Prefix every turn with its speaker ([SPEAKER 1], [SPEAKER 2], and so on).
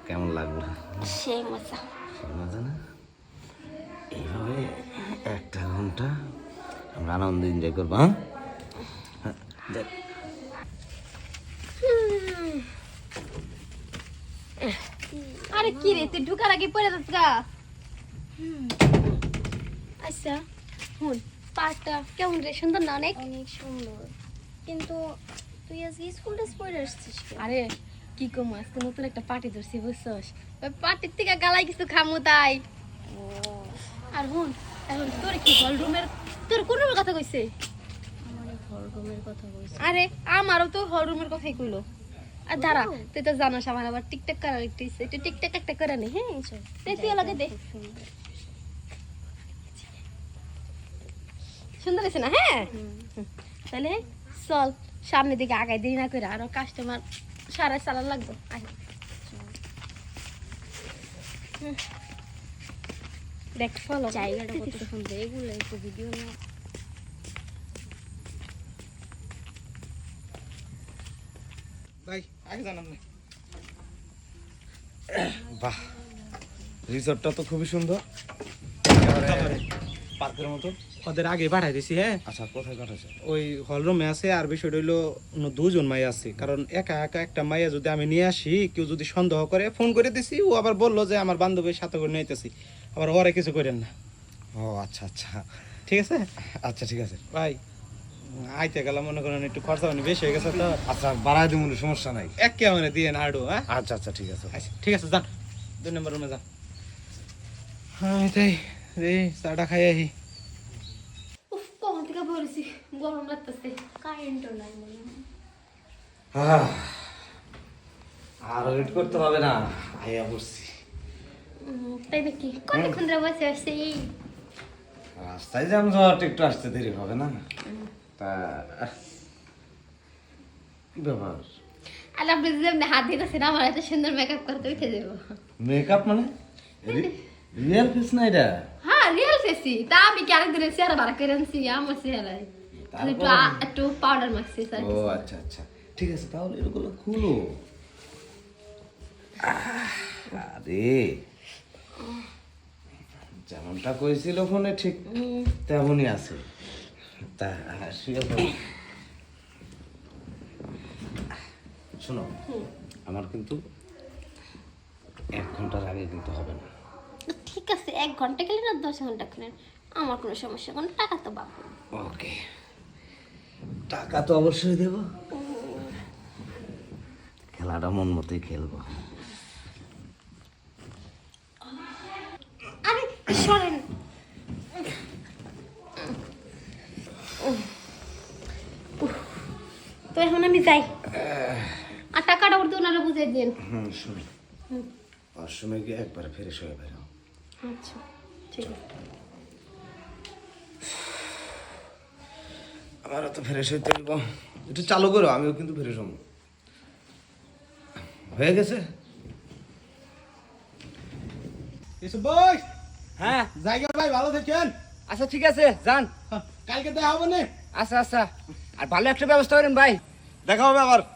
[SPEAKER 1] কেমন লাগলো?
[SPEAKER 2] সেই মজা।
[SPEAKER 1] সেই মজা না? এইভাবে একটা ঘন্টা আমরা আনন্দ এনজয় করবো। হ্যাঁ দেখ
[SPEAKER 2] আরে কি রে, তুই ঢুকার আগে পড়ে যাস গা। আচ্ছা হুন, পার্কটা কেমন রে? সুন্দর না? অনেক
[SPEAKER 3] অনেক সুন্দর, কিন্তু তুই আজকে স্কুল ড্রেস পরে আসছিস কেন?
[SPEAKER 2] আরে কি কম, আজকে নতুন একটা পার্টি ধরছি বুঝছস, ওই পার্টির থেকে গালাই কিছু খামু তাই। আর হুন, এখন তোর কি হল রুমের, তোর কোন রুমের কথা কইছে?
[SPEAKER 3] আমার ঘর রুমের কথা বলছিস?
[SPEAKER 2] আরে আমারও তো হল রুমের কথাই কইলো। আর দাঁড়া, তুই তো জানোস আমার আবার টিকটক করার একটু ইচ্ছে, একটু টিকটক একটা করে নি। হ্যাঁ তুই লাগে দে, সুন্দর হয়েছে না? হ্যাঁ তাহলে চল সামনের দিকে আগাই, দেরি না করে, আরো কাস্টমার সারা চালান লাগবে। দেখ ফলো
[SPEAKER 3] জায়গাটা কত সুন্দর, এগুলো একটু ভিডিও না।
[SPEAKER 4] ভাই আগে জানান না।
[SPEAKER 1] বাহ, রিসর্টটা তো খুবই সুন্দর, পার্কের মতো।
[SPEAKER 4] ওদের আগে পাঠাই দিছি। হ্যাঁ,
[SPEAKER 1] আচ্ছা কোথায় কাটাছে?
[SPEAKER 4] ওই হলরুমে আছে। আর বিষয়টা হইলো দুজন মাইয়া আছে, কারণ একা একা একটা মাইয়া যদি আমি নিয়ে আসি, কেউ যদি সন্দেহ করে, ফোন করে দিছি, ও আবার বললো যে আমার বান্ধবীর সাথে করে নিতেছি, আবার ওরে কিছু করেন না।
[SPEAKER 1] ও আচ্ছা আচ্ছা,
[SPEAKER 4] ঠিক আছে
[SPEAKER 1] আচ্ছা ঠিক আছে।
[SPEAKER 4] ভাই, আইতে গেলাম, মনে করেন একটু খরচা পানি বেশি হয়ে গেছে তো।
[SPEAKER 1] আচ্ছা বাড়াই দিব, সমস্যা নাই।
[SPEAKER 4] একে মানে দিয়ে না আডো। হ্যাঁ
[SPEAKER 1] আচ্ছা আচ্ছা ঠিক আছে।
[SPEAKER 4] আচ্ছা ঠিক আছে, যান 2 নম্বর রুমে যান। আমি তাই রে চাটা খাই আহি।
[SPEAKER 2] উফ, কখন থেকে বলেছি গরম লাগতেছে।
[SPEAKER 3] কারেন্টও নাই মনে হয়।
[SPEAKER 1] আর ওয়েট করতে হবে না, আইয়া পড়ছি।
[SPEAKER 2] তাই নাকি? কতক্ষণ ধরে বসে আসছে? এই
[SPEAKER 1] রাস্তায় জ্যাম জট, একটু আসতে দেরি হবে না? তা কি ব্যাপার?
[SPEAKER 2] আর আপনি যেমনি হাত দিতেছেন, আমার এত সুন্দর মেকআপ করতে উঠে যাবো।
[SPEAKER 1] মেকআপ মানে রিয়েল ফেস না এটা?
[SPEAKER 2] হ্যাঁ রিয়েল ফেসি, তা আমি কি আরেকদিনের চেহারা বাড়া করে আনছি আমার চেহারায়? একটু একটু পাউডার মাখছি স্যার।
[SPEAKER 1] ও আচ্ছা আচ্ছা ঠিক আছে, তাহলে এগুলো খুলো। আরে যেমনটা কইছিল ফোনে ঠিক তেমনই আছে। তা শুয়ে পড়ো। শোনো, আমার কিন্তু 1 ঘন্টার আগে কিন্তু হবে না।
[SPEAKER 2] ঠিক আছে, 1 ঘন্টা গেলে না 10 ঘন্টা গেলেন আমার কোনো সমস্যা, কোনো টাকা তো বাবু।
[SPEAKER 1] ওকে, টাকা তো অবশ্যই দেব, খেলাটা মন মতোই খেলবো।
[SPEAKER 2] আরে সরেন। তো এখন আমি যাই, আর টাকাটা উঠতে ওনারা বুঝিয়ে দিন।
[SPEAKER 1] শুনি ওয়াশরুমে গিয়ে একবার ফ্রেশ হয়ে বেরো।
[SPEAKER 2] আচ্ছা ঠিক আছে।
[SPEAKER 1] আমারও তো ফ্রেশ হইতে হইব, একটু চালু করো, আমিও কিন্তু ফ্রেশ হবো। হয়ে গেছে?
[SPEAKER 4] এসব বই।
[SPEAKER 5] হ্যাঁ
[SPEAKER 4] জায়গা ভাই, ভালো থাকেন।
[SPEAKER 5] আচ্ছা ঠিক আছে যান।
[SPEAKER 4] কালকে দেখা হবে না?
[SPEAKER 5] আচ্ছা আচ্ছা, আর ভালো একটা ব্যবস্থা করেন ভাই।
[SPEAKER 1] দেখা হবে আবার।